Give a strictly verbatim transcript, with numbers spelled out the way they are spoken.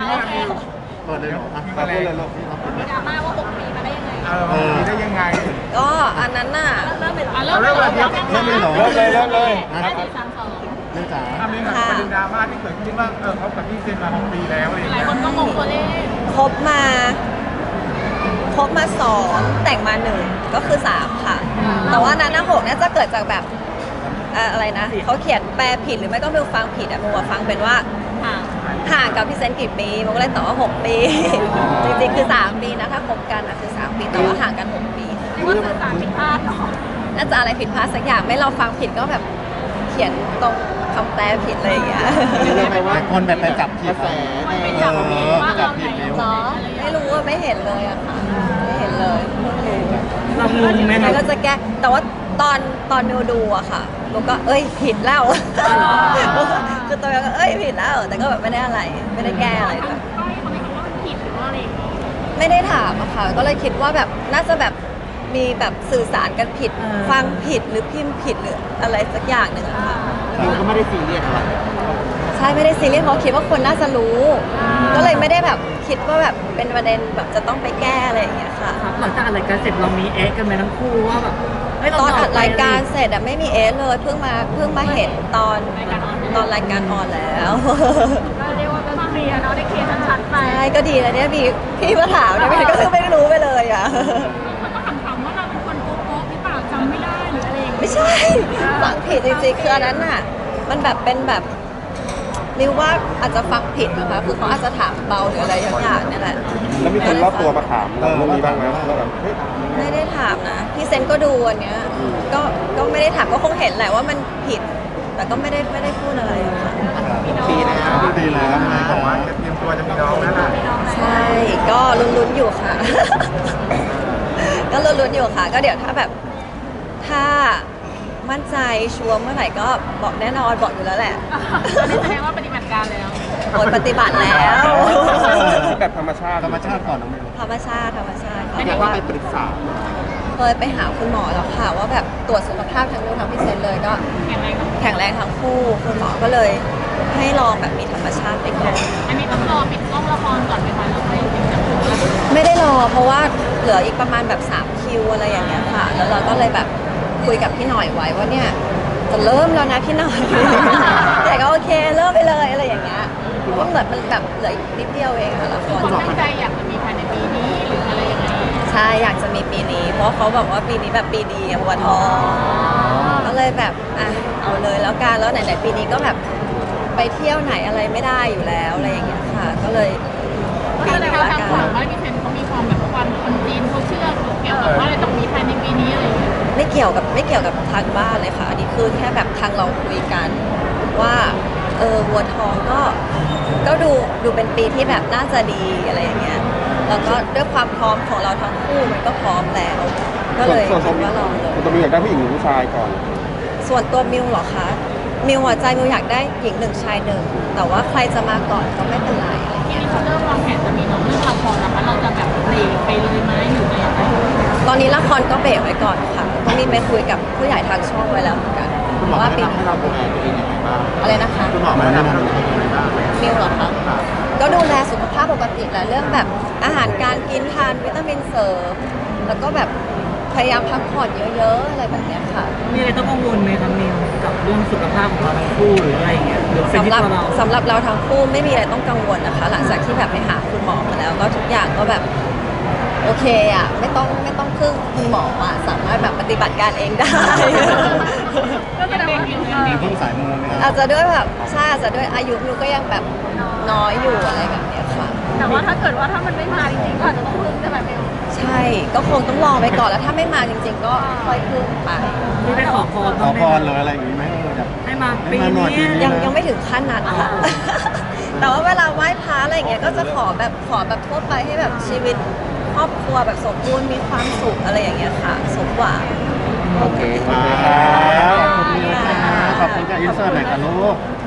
ม่มิวเปิดเลยเหรออ่ะมาเลยเลยลูกมีดราม่าว่าหกปีมาได้ยังไงเออมีได้ยังไงก็อันนั้นน่ะเริ่มไปหรอเอาเริ่มเลยเดี๋ยวเริ่มเลยเหรอเริ่มเลยเริ่มเลยห้าสี่สามสองเรื่องจ๋าทำนี้หน่อยประเด็นดราม่าที่เกิดขึ้นว่าเออเขากับพี่เซนมาหกปีแล้วอะไรอย่างหลายเงี้ยคนก็งงตัวเลขคบมาคบมาสองแต่งมาหนึ่งก็คือสามค่ะ แต่ว่านั้นนะหกเนี่ยจะเกิดจากแบบเอ่ออะไรนะเขาเขียนแปลผิดหรือไม่ก็มิวฟังผิดอะมิวอะฟังเป็นว่าห่างห่างกับพี่เซนกี่ปีมิวก็เลยตอบว่าหกปี จริงๆคือสามปีนะถ้าคบกันอะคือสามปีแต่ว่าห่างกันหกปีเรียกว่าสื่อสารผิดพลาดเนาะน่าจะอะไรผิดพลาดสักอย่างไม่เราฟังผิดก็แบบเขียนตรงคำแปลผิดอะไรอย่างเงี้ยเรียกได้ว่าคนแบบไปจับผิดมันเป็นอย่างนี้ว่าเราไหนเหรอไม่รู้ว่าไม่เห็นเลยอะค่ะไม่เห็นเลยเพิ่งรู้เรางงไหมแล้วคก็รับจะแก้แต่ว่าตอนตอนมิวดูอะค่ะมิวก็เอ้ยผิดแล้วคือตัวมิวก็เอ้ยผิดแล้วแต่ก็แบบไม่ได้อะไรไม่ได้แก้อะไรด้วยก็ให้เขาไม่รู้ว่ามันผิดหรือว่าอะไรอย่างเงี้ยไม่ได้ถามอะค่ะก็เลยคิดว่าแบบน่าจะแบบมีแบบสื่อสารกันผิดฟังผิดหรือพิมพ์ผิดหรืออะไรสักอย่างหนึ่งอะค่ะเราก็ไม่ได้ซีเรียสอะไรใช่ไม่ได้ซีเรียสเพราะคิดว่าคนน่าจะรู้ ก็เลยไม่ได้แบบคิดว่าแบบเป็นประเด็นแบบจะต้องไปแก้อะไรอย่างเงี้ยค่ะหลังจากอัดรายการเสร็จเรามีเอ๊ะกันไหมทั้งคู่ว่าแบบเฮ้ยเตอนอัดรายการต่อไปเสร็จอะไม่มีเอสเลยเพิ่งมาเพิ่งมาเห็นตอนตอนรายการออนแล้วก็เรียกว่าเป็นเคลียร์เนาะได้เคลียร์ชัดๆไปใช่ก็ดีแล้วเนี่ยพี่พี่มาถามเนี่ยพี่ก็คือไม่รู้ไปเลยอะคนก็ถามๆว่าเราเป็นคนโป๊ะๆหรือเปล่าจำไม่ได้หรืออะไรอย่างเงี้ยไม่ใช่ฟังผิดจริงๆคืออันนั้นน่ะมันแบบเป็นแบบริวว่าอาจจะฟังผิดนะคะคือเขาอาจจะถามเบาหรืออะไรอย่างอย่างเนี่ยแหละแล้วมีคนรอบตัวมาถามเราเรื่องนี้บ้างไหมเราแบบเฮ้ยไม่ได้ถามนะพี่เซนก็ดูอันเนี้ยก็ก็ไม่ได้ถามก็คงเห็นแหละว่ามันผิด แต่ก็ไม่ได้ไม่ได้พูดอะไรอะค่ะปีแล้วปีแล้วบอกว่าจะเตรียมตัวจะมีน้องแล้วล่ะใช่ก็ลุ้นๆอยู่ค่ะ ก็ลุ้นๆอยู่ค่ะ ก็เดี๋ยวถ้าแบบถ้ามั่นใจชัวร์เมื่อไหร่ก็บอกแน่นอนบอกอยู่แล้วแหละอันนี้แสดงว่าปฏิบัติการแล้วโอนปฏิบัติแล้วแบบธรรมชาติธรรมชาติก่อนน้องมิวธรรมชาติธรรมชาติค่ะเรียกว่าไปปรึกษาเคยไปหาคุณหมอแล้วค่ะว่าแบบตรวจสุขภาพทั้งนู้นทั้งพี่เซนเลยก็แข็งแรงเนอะแข็งแรงทั้งคู่คุณหมอก็เลยให้ลองแบบมีธรรมชาติไปก่อนอันนี้ต้องรอปิดกล้องละครก่อนไหมคะแล้วค่อยถึงจะพูดแล้วไม่ได้รอเพราะว่าเหลืออีกประมาณแบบสามคิวอะไรอย่างเงี้ยค่ะ แล้วเราก็เลยแบบคุยกับพี่หน่อยไว้ว่าเนี่ยจะเริ่มแล้วนะพี่หน่อย แต่ก็โอเคเริ่มไปเลยอะไรอย่างเงี้ยเพราะเหมือนมันแบบเหลืออีกนิดเดียวเองค่ะละครคนตั้งใจอยากจะมีภายในปีนี้หรืออะไรยังไงใช่อยากจะมีปีนี้ เพราะเขาบอกว่าปีนี้แบบปีดีอะหัวทองก็เลยแบบอ่ะเอาเลยแล้วกันแล้วไหนๆปีนี้ก็แบบไปเที่ยวไหนอะไรไม่ได้อยู่แล้วอะไรอย่างเงี้ยค่ะ ก็เลยปีก็แสดนี้งว่าละทางกัฝั่งนบ้านพี่เซนเขามีความแบบความคนจีนเขาเชื่อเกี่ยวกับว่าอะไรต้องมีภายในปีนี้อะไรอย่างเงี้ยไม่เกี่ยวกับไม่เกี่ยวกับทางบ้านเลยค่ะอันนี้คือแค่แบบทางเราคุยกันว่าเออวัวทองก็ก็ดูดูเป็นปีที่แบบน่าจะดีอะไรอย่างเงี้ยแล้วก็ด้วยความพร้อมของเราทั้งคู่มันก็พร้อมแล้ว ก็เลยส่วนคิดว่าลองเลยส่วนตัวมิวอยากได้ผู้หญิงหรือผู้ชายก่อนส่วนตัวมิวเหรอคะมิวหัวใจมิวอยากได้หญิงหนึ่งชายหนึ่งแต่ว่าใครจะมาก่อนก็ไม่เป็นไรอะไรทีเงี้ยนี้เขาเริ่มวางแผนจะมีน้องเรื่องละครนะคะเราจะแบบเบรกไปเลยไหมหรืออะไรยังไงตอนนี้ละครก็เบรกไว้ก่อนค่ะก็มีไปคุยกับผู้ใหญ่ทางช่องไว้แล้วเหมือนกันคุณหมอว่าแนะปีนำให้เราดูแลตัวเองยังไงบ้างอะไรนะคะคุณหมอแนะนำให้เราดูแลตัวเองยังไงบ้างมิวเหรอคะก็ดูแลสุขภาพปกติแหละเรื่องแบบอาหารการกินทานวิตามินเสริมแล้วก็แบบพยายามพักผ่อนเยอะๆอะไรแบบเนี้ยค่ะมีอะไรต้องกังวลไหมครับนิวกับเรื่องสุขภาพของเราทั้งคู่หรืออะไรอย่างเงี้ยหรือเป็นสำที่หรับตัวเราสำหรับเราทั้งคู่ไม่มีอะไรต้องกังวลนะคะ หลังจากที่แบบไปหาคุณหมอมาแล้ว ก็ทุกอย่างก็แบบโอเคอ่ะไม่ต้องไม่ต้องพึ่งคุณหมออ่ะสามารถแบบปฏิบัติการเองได้ก็แสดงว่ามีเพิ่งสายมูไหมครับอาจจะด้วยแบบใช่อาจจะด้วยอายุมิวก็ยังแบบน้อยอยู่อะไรแบบเนี้ยค่ะแต่ว่าถ้าเกิดว่าถ้ามันไม่มาจริงๆก็อาจจะต้องพึ่งใช่ไหมเบลใช่ก็คงต้องรอไปก่อนแล้วถ้าไม่มาจริง ๆ ก็ค่อยพึ่งไปมีไปขอพรขบ้าองไหมพรเลยอะไรอย่างนี้ไหมเอออยากให้มาปีให้มาหน่อยปีนี้นี้ยังยังไม่ถึงขั้นนั้นค่ะ แต่ว่าเวลาไหว้พระอะไรอย่างเงี้ยก็จะขอแบบขอแบบทั่วไปให้แบบชีวิตครอบครัวแบบสมบูรณ์มีความสุขอะไรอย่างเงี้ยค่ะ สมหวังโอเคขอบคุณครับขอบคุณค่ะขอบคุณค่ะอินเสิร์ตหน่อยค่ะลูก